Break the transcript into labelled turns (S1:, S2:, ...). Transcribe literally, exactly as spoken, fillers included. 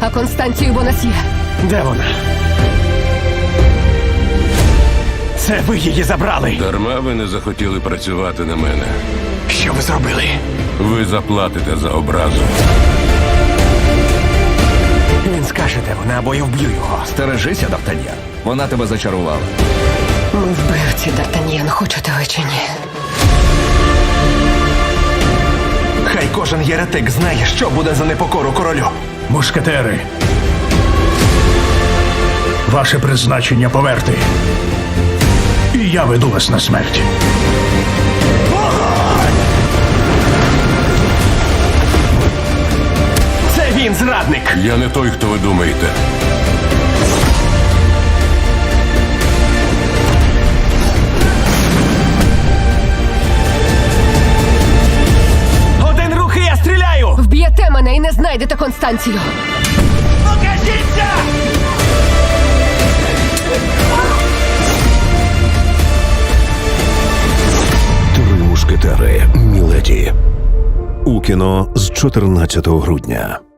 S1: А Констанцію Бонасьє?
S2: Де вона? Це ви її забрали.
S3: Дарма ви не захотіли працювати на мене.
S2: Що ви зробили?
S3: Ви заплатите за образу.
S2: Він скаже, де вона, або я вб'ю його.
S4: Стережися, Д'Артаньян. Вона тебе зачарувала.
S1: Ми вбивці, Д'Артаньян, хочете ви чи ні?
S2: Хай кожен єретик знає, що буде за непокору королю.
S5: Мушкетери. Ваше призначення поверти. І я веду вас на смерть.
S2: Це він, зрадник!
S3: Я не той, хто ви думаєте.
S2: Один рух і я стріляю!
S1: Вб'єте мене і не знайдете Констанцію.
S2: Покажіться!
S6: Три мушкетери. Міледі. У кіно з чотирнадцятого грудня.